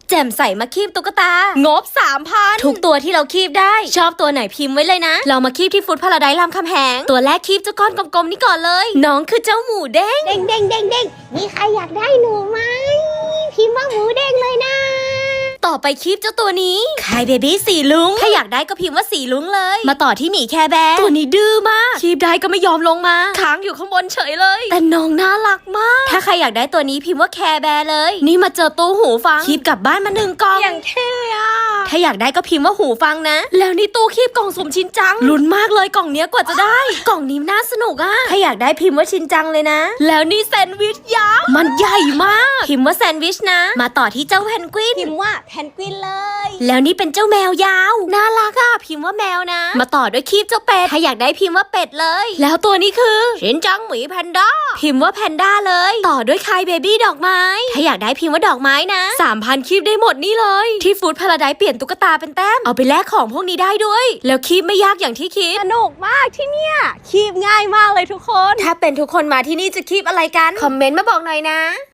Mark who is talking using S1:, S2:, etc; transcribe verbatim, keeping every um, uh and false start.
S1: แจ่มใสมาคีบตุ๊กตางบ สามพัน ทุกตัวที่เราคีบได้ชอบตัวไหนพิมพ์ไว้เลยนะเรามาคีบที่ฟุตพาราไดซ์รามคำแหงตัวแรกคีบเจ้าก้อนกลมๆนี่ก่อนเลยน้องคือเจ้าหมูเด้ง
S2: เด้งเด้งเด้งเด้งมีใครอยากได้หนูไหมพิมพ์ว่าหมูเด้งเลยนะ
S1: ต่อไปคีบเจ้าตัวนี้คายเบบี้สีลุงถ้าอยากได้ก็พิมพ์ว่าสีลุงเลยมาต่อที่หมีแคร์แบร์ตัวนี้ดื้อมากคีบได้ก็ไม่ยอมลงมาค้างอยู่ข้างบนเฉยเลยแต่น้องน่ารักมากถ้าใครอยากได้ตัวนี้พิมพ์ว่าแคร์แบร์เลยนี่มาเจอตู้หูฟังคีบกลับบ้านมาหนึ่งกล่อง
S2: อย่างเท่อะ
S1: ถ้าอยากได้ก็พิมพ์ว่าหูฟังนะแล้วนี่ตู้คีบกล่องสุ่มชินจังลุ้นมากเลยกล่องเนี้ยกว่าจะได้กล่องนี้น่าสนุกอะถ้าอยากได้พิมพ์ว่าชินจังเลยนะแล้วนี่แซนด์วิชยักษ์มันใหญ่มากพิมพ์ว่าแซนด์วิชนะมาต่อที่เจ้าเพนกวิน
S2: พิมพ์ว่าแพนกวินเลย
S1: แล้วนี่เป็นเจ้าแมวยาวน่ารักอะพิมพ์ว่าแมวนะมาต่อด้วยคีบเจ้าเป็ดถ้าอยากได้พิมพ์ว่าเป็ดเลยแล้วตัวนี้คือชินจังหมีแพนด้าพิมพ์ว่าแพนด้าเลยต่อด้วยคายเบบี้ดอกไม้ถ้าอยากได้พิมพ์ว่าดอกไม้นะ สามพัน คีบได้หมดนี่เลยที่ฟู้ดพาราไดซ์เปลี่ยนตุ๊กตาเป็นแต้มเอาไปแลกของพวกนี้ได้ด้วยแล้วคีบไม่ยากอย่างที่คิด
S2: สนุกมากที่เนี่ยคีบง่ายมากเลยทุกคน
S1: ถ้าเป็นทุกคนมาที่นี่จะคีบอะไรกันคอมเมนต์มาบอกหน่อยนะ